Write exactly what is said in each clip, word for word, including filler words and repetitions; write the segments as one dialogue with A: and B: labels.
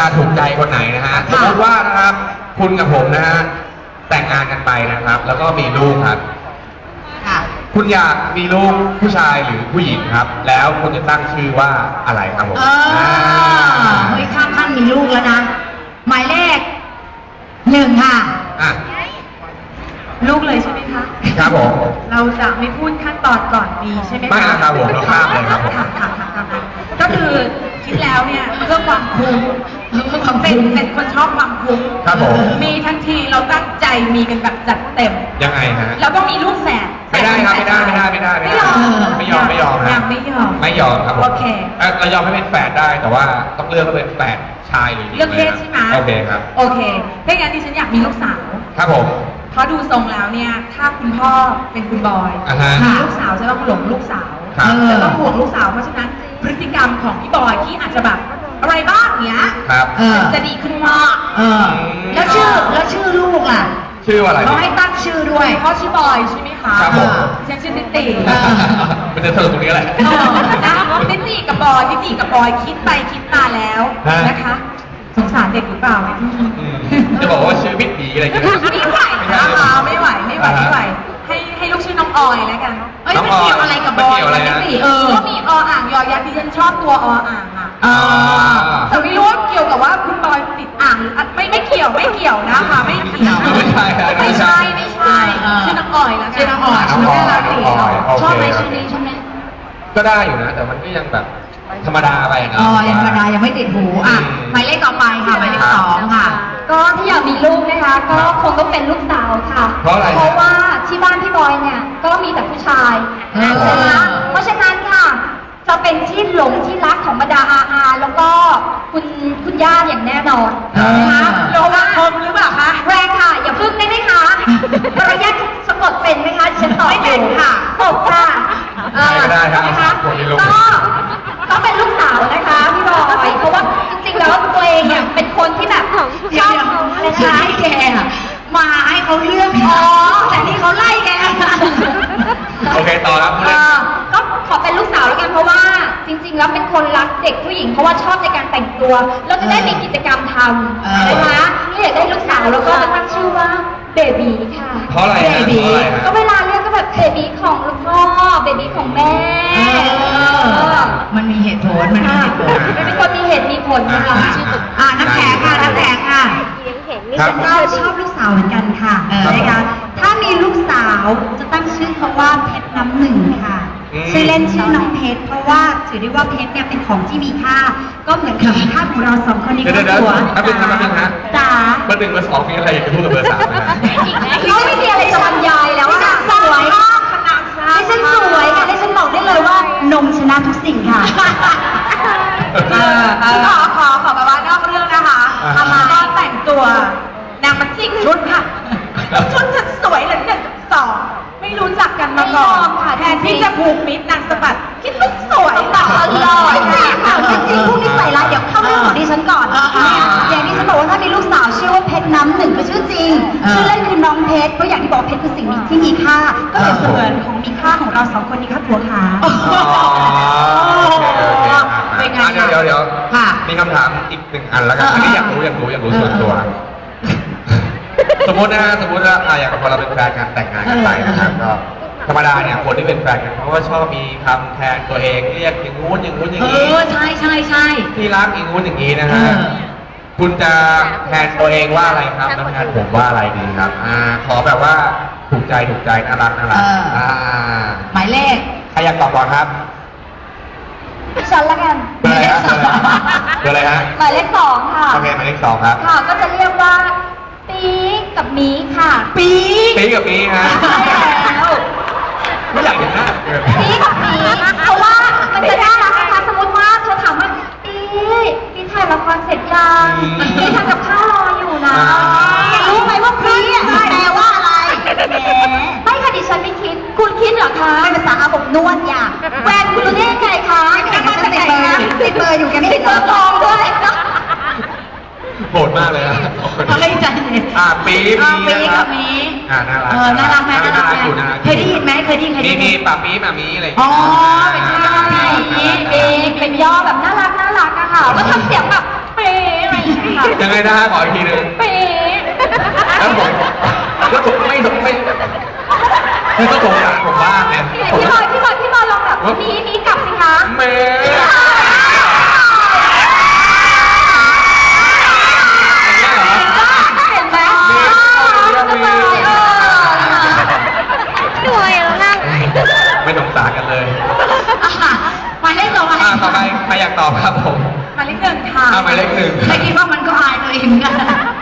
A: ถูกใจคนไหนนะฮะสมมติว่านะครับคุณกับผมนะฮะแต่งงานกันไปนะครับแล้วก็มีลูกครับคุณอยากมีลูกผู้ชายหรือผู้หญิงครับแล้วคุณจะตั้งชื่อว่าอะไรครับผม
B: เออเฮ้ยข้ามขั้นมีลูกแล้วนะหมายเลขหนึ่งค่ะ
A: อ่ะ
C: ลูกเลยใช่ไหมคะ
A: ครับผม
C: เราจะไม่พูดขั้นตอนก่อนมีใช่ไหมคะ
A: ไม่ครับผมเราข้ามเลยครับผม
C: ก็คือคิดแล้วเนี่ยเพื่อความคุ้มเป็นเป็นคนชอบความคุ้ม
A: ครับผม
C: มีทันทีเราตั้งใจมีกันแบบจัดเต็ม
A: ยังไงฮะ
C: เราต้องมีลูกแฝด
A: ไม่ได้ครับไม่ได้ไม่ได้ไม่ได้ไม่ยอมไม่ยอมไม่ยอม
C: ยังไม่ยอม
A: ไม่ยอมครับผม
C: โอเค
A: เรายอมให้เป็นแฝดได้แต่ว่าต้องเลือกว่าเป็นแฝดชายหรือหญิง
C: เลือกเพศใช่ไหม
A: โอเคครับ
C: โอเคถ้างั้นดิฉันอยากมีลูกสาว
A: ครับผม
C: เพราะดูทรงแล้วเนี่ยถ้าคุณพ่อเป็นคุณบอยมีลูกสาวจะต้องหลงลูกสาวจะต้องห่วงลูกสาวเพราะฉะนั้นพฤติกรรมของพี่บอยที่อาจจะแบบอะไรบ้างเนี้ยจะดีขึ้นมาก
B: แล้วชื่อแล้วชื่อลูกล่ะ
A: ชื่ออะไร
B: เขาให้ตั้งชื่อด้วย
C: พ่อชื่อบอยใช่ไหมคะ
A: ครับผม
C: ฉันชื่อติติ
A: มันจะเธอตรงนี้แหละ
C: นะติติกับบอยติติกับบอยคิดไปคิดมาแล้วนะคะสงสารเด็กหรือเปล่า
A: จะบอกว่าชื่อพิธีอะไรอย่างเงี้ย
C: ไม่ไหวนะคะไม่ไหวไม่ไหวไม่ไหวให้ให้ลูกชื่อน้องออยแล้วกัน
B: เอ้ยมันเกี่ยวอะไรกับบอย
A: อะไรนะ
B: เออ
C: ก็มีออ่างยอยักษ์ที่ฉันชอบตัวออ่างอ่ะแต่ไม่รู้ว่าเกี่ยวกับว่าคุณบอยติดอ่างหรือไม่ไม่เกี่ยวไม่เกี่ยวนะคะไม่เกี่ยว
A: ไม่ใช่
C: ไม่ใช่ไม่ใช่ชื่อน้องออยแล้วกัน
B: ชื่อน้องออยชื่อน่ารักดีชอบไหมชื่อนี้ชอบไหม
A: ก็ได้อยู่นะแต่มันก็ยังแบบธรรมดาไปนะ
B: อ๋อยังธรรมดายังไม่ติดหูอ่ะหมายเลขต่อไปค่ะหมายเลขสองค่ะ
D: ก็ที่อยากมีลูกนะคะก็คงต้องเป็นลูกสาวค่ะ
A: เพราะอะไร
D: เพราะว่าที่บ้านพี่บอยเนี่ยก็มีแต่ผู้ชายนะคะเพราะฉะนั้นค่ะจะเป็นที่หลงที่รักของบรรดาอาอาแล้วก็คุณคุณย่าอย่างแน่นอนนะคะ
C: โลกคมหรือเปล่าคะ
D: แรงค่ะอย่าพึ่งได้ไหมคะมารยาทสะกดเป็นไหมคะฉันตอบ
C: ไม่เป็นค่ะ
D: ตบค่ะ
A: ไม่ได้ครับ
D: ก็ก็เป็นลูกสาวนะคะพี่บอยเพราะว่าจริงๆแล้วตัวเองเนี่ยเป็นคนที่แบบชอบ
B: อะไรนะให้แกมาให้เขาเลือกอ๋อแต่นี่เขาไล่แก
A: โอเคต่อครับ
D: ก็ขอเป็นลูกสาวแล้วกันเพราะว่าจริงๆแล้วเป็นคนรักเด็กผู้หญิงเพราะว่าชอบในการแต่งตัวแล้วจะได้มีกิจกรรมทำนะคะนี่อยากได้ลูกสาวแล้วก็จะตั้งชื่อว่าเบบีค่ะ
A: เพราะอะไรเบ
D: บีก็เวลาเรียกก็แบบเบบีของพ่อเบบีของแม่
B: มันมีเหตุผลมันมีเหตุผล
D: เป็นคนมีเหตุมีผลนะคะ
B: อ่าน้ำแข็งค่ะน้ำแข็งค่ะดิฉันก็ชอบลูกสาวเหมือนกันค่ะนะคะถ้ามีลูกสาวจะตั้งชื่อเขาว่าเพชรน้ำหนึ่งค่ะชื่อเล่นชื่อน้องเพชรเพราะว่าถือได้ว่าเพชรเนี่ยเป็นของที่มีค่าก็เหมือนกับมีค่าของเราสองคนในครอบครัว
A: ถ้าเป็นทำเป็นฮะ
D: จ๋า
A: เบอร์หนึ่งเบอร์สองมีอะไรอยากจะพูดกับเบอร์สามไหม
D: เขาไม่มีอะไรจะบรรยายแล้วค่ะสวยดิฉันสวยค่ะดิฉันบอกได้เลยว่านมชนะทุกสิ่งค่ะ
C: ขอขอขอแบบว่านอกเรื่องนะคะทำมาก็แต่งตัวนางมันจิกชุดค่ะชุดฉันสวยเลยหนึ่งสองไม่รู้จักกันมาก่อนแทนที่จะผูกมิตรนางสะบัดคิดลูกสวยต่อเลย
D: ค่ะจริงๆพวกนี้ใส่ร้ายเดี๋ยวเข้าเรื่องของดิฉันก่อนอย่างที่ฉันบอกว่าถ้ามีลูกสาวชื่อว่าเพชรน้ำหนึ่งเป็นชื่อจริงชื่อเล่นคือน้องเพชรเพราะอย่างที่บอกเพชรคือสิ่งที่มีค่าก็เป็นเสมือนของมีค่าของเราสองคนนี้ครับผัวขา
A: เป็นไงเดี๋ยวเดี๋ยวมีคำถามอีกหนึ่งอันแล้วกันอันนี้อยากรู้อยากรู้อยากรู้ส่วนตัวสมมตินะฮะสมมติว่าอย่างพอเราเป็นแฟนกันแต่งงานกันไปนะครับก็ธรรมดาเนี่ยคนที่เป็นแฟนกันเขาก็ชอบมีคำแทนตัวเองเรียกอย่างงู้นอย่างงู้นอย่างนี้
B: เออใช่ใช่ใช่
A: ที่รักอย่างงู้นอย่างนี้นะฮะคุณจะแทนตัวเองว่าอะไรครับแล้วแทนผมว่าอะไรดีครับอ่าขอแบบว่าถูกใจถูกใจน่ารักน่ารักอ่า
B: หมายเลข
A: ใครอยากตอบก่อนครับ
D: ฉันละกัน
A: เบอร์อะไรฮะเบอร์อะไรฮะ
D: หมายเลขสองค่ะ
A: โอเคหมายเลขสองครับ
D: ค่ะก็จะเรียกว่าปีกับมีค่ะ
B: ปี
A: ปีกับมีฮะ
D: ใช่แล้ว
A: ไม่อยากเห็นหน้า
D: ปีกับมีเพราะว่ามันจะน่ารักนะคะสมมติว่าเธอถามว่าปีปีถ่ายละครเสร็จยังปีทำกับข้าวรออยู่นะรู้ไหมว่าปีแปลว่าอะไรไม่ค่ะดิฉันไม่คิดคุณคิดเหรอคะเป็นภาษาอาบอบนวดอย่างแฟนคุณรู้ได้ยังไงคะ
B: ติดเบอร์ติดเบอร์อยู่แกไม่
D: ติดเบอร์กองด้วย
A: โหดมากเลยนะ
B: เขาเลยใจเย็น
A: อ่าปี
B: ปีปีกับมี
A: อ่าน่ารัก
B: เออน่ารักไหม
A: น่ารักอยู่นะ
B: เคยได้ยินไหมเคยได้ยินเคยได้ยิน
A: มีป่าปีมามีอะไร
B: อ๋อเป็นใช่
D: ปีปีเป็นย่อแบบน่ารักน่ารักอะค่ะก็ทำเสียงแบบเป๊ะอะไรอย่างเงี้ย
A: ยังไงนะฮะขออีกทีหนึง
D: เป๊ะ
A: แล้วผมแล้วผมไม่ไม่ไม่ต้องสงสารผมบ้างเนี่ย
D: พี่บอยพี่บอยพี่บอยลองแบบมีมีกลับสิคะ
A: เมย์
D: เห็นไหมหน่วยแล้วนั่ง
A: ไม่สงสารกันเลย
B: หมายเลขต่อไป
A: อ่าต่อไปใครอยากตอบครับผม
C: หมายเลขหนึ่งค่ะ
A: อ่าหมายเลขหนึ่ง
B: ไม่คิดว่ามันก็อายตัวเองเหมือนกัน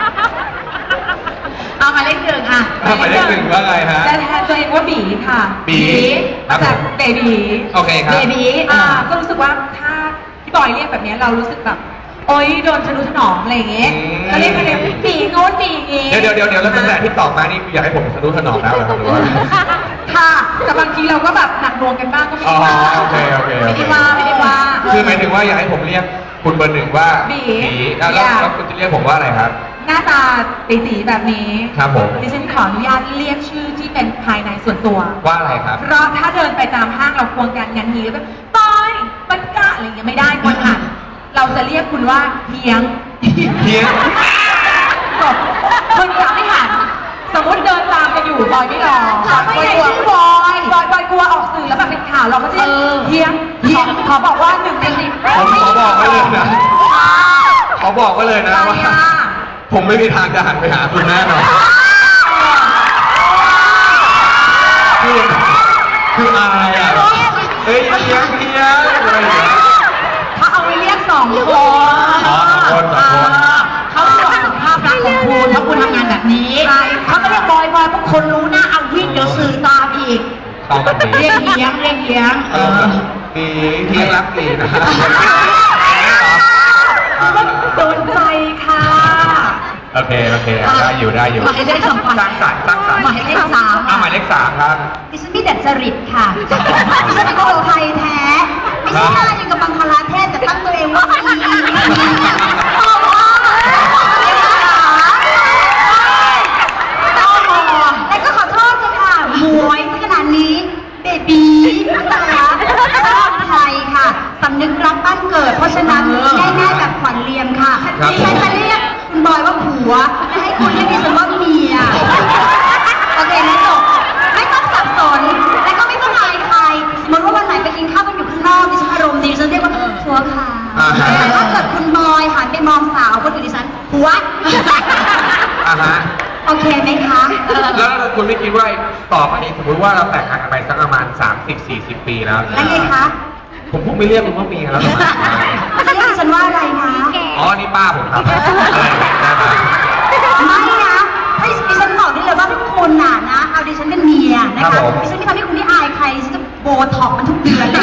B: เอาหมายเลขหนึ่งอ่ะ
A: อ่าหมายเลขหนึ่งว่าไงฮะ
C: และแทนตัวเองว่าบีค่ะ
A: บีครั
C: มา
A: บ
C: จากเบบี
A: โอเคครับ
B: เบบี
C: อ่าก็รู้สึกว่าถ้าพี่บอยเรียกแบบนี้เรารู้สึกแบบโอ๊ยโดนทะนุถนอมอะไรอย่างเงี้ย
A: อืม
C: ก็เรียกกันเลยบีโน้นบีอย่างงี้
A: เดี๋ยวเดี๋ยวเดี๋ยวเดี๋ยวแล้วตั้งแต่ที่ตอบมานี่อยากให้ผมทะนุถนอมแล้วเหรอครับหรือว่า
C: ค่ะแต่บางทีเราก็แบบหนักหน่วงกันบ้างก็ไม่
A: อ๋อ
C: ได้ว่า
A: โอเคโอเคโอ
C: ไม่
A: เค
C: ได้ว่าไม่ได้ว่า
A: คือหมายถึงว่าอยากให้ผมเรียกคุณเบอร์หนึ่งว่า
C: บี
A: อ่ะแล้ว
C: อยาก
A: แล้วคุณจะเรียกผมว่าอะไรครับ
C: หน้าตาตีๆแบบนี้
A: ครับผม
C: ดิฉันขออนุญาตเรียกชื่อที่เป็นภายในส่วนตัว
A: ว่าอะไรครับ
C: เพราะถ้าเดินไปตามห้างเราควงกันงันนี้แบบปอยปันกะอะไรอย่างเงี้ยไม่ได้คนหันเราจะเรียกคุณว่าเฮียง
A: เฮียง
C: จบคนจะไม่หันสมมติเดินตามกันอยู่บอยไม่รอ
B: ถามว่าไงชื่อบอย
C: บอยบอยกลัวออกสื่อแล้วแบบเป็นข่าวเราก็จะเรียก
B: เออ
C: เฮียงเฮียงขอบอกว่าหนึ่งในสิบ
A: ผมขอบอกไว้เลยนะขอบอกไว้เลยนะว่า ผมไม่มีทางจะหันไปหาคุณแน่นอนคือคืออายอ่ะเฮ้ยเฮียงเฮียงอะไรอย่างเงี้ย
B: เขาเอาไปเรียกสองคน
A: อ๋อสองคนสองคน
B: เขาตรวจสุขภาพรักของคุณเพราะคุณทำงานแบบนี้เขาก็เรียกบอยบอยเพราะคนรู้หน้าเอาวิ่งเดี๋ยวสื่อตามอีก
A: เข้ากันดี
B: เรียกเลี้ยงเรียกเลี้ยง
A: เออดีเที่ยงรักดีนะ
B: โดนใจค่ะ
A: โอเคโอเคได้อยู่ได้อยู่
B: หมายเลขสอง
A: สร้างสรรค์สร้างสรรค์
B: หมายเลขสาม
A: อ่ะหมายเลขสามครับ
B: ดิฉันมีแต่จริตค่ะดิฉันเป็นคนไทยแท้ไม่ใช่หน้าอย่างกับบังคลาเทศแต่ตั้งตัวเองว่าอีเพราะว่าแล้วก็ขอโทษเลยค่ะหมวยขนาดนี้เบบีนะคะชอบไทยค่ะสำนึกรักบ้านเกิด เพราะฉะนั้นง่ายๆแบบขวัญเรียมค่ะดิฉันจะเรียกคุณบอยว่าผัวไม่ให้คุณเรียกดิฉันว่าเมียโอเคนะจบไม่ต้องสับสนและก็ไม่ต้องอายใครสมมติว่าวันไหนไปกินข้าวกันอยู่ข้างนอกดิฉันอารมณ์ดีดิฉันเรียกว่าผัวค่ะแต่ถ้าเกิดคุณบอยหันไปมองสาวคนอื่นดิฉันผัว
A: อ่าฮะ
B: โอเคไหมคะ
A: แล้วคุณไม่คิดว่าต่อไปนี้สมมติว่าเราแต่งงานกันไปสักประมาณ สามสิบสี่สิบ ปีแล้ว
B: แล้วไงคะ
A: ผมคงไม่เรียกคุณว่าเมียแล้วหรอก
B: จะเรียกดิฉันว่าอะไรคะ
A: อ๋อ นี่ป้าผมครับอะไรอย่างเงี้ยได้ไหม
B: ไม่นะให้ดิฉันบอกได้เลยว่าทุกคนน่ะนะ เอาดิฉันเป็นเมียนะคะดิฉันไม่ทำให้คุณที่อายใครดิฉันจะโบท็อกซ์มันทุกเดือน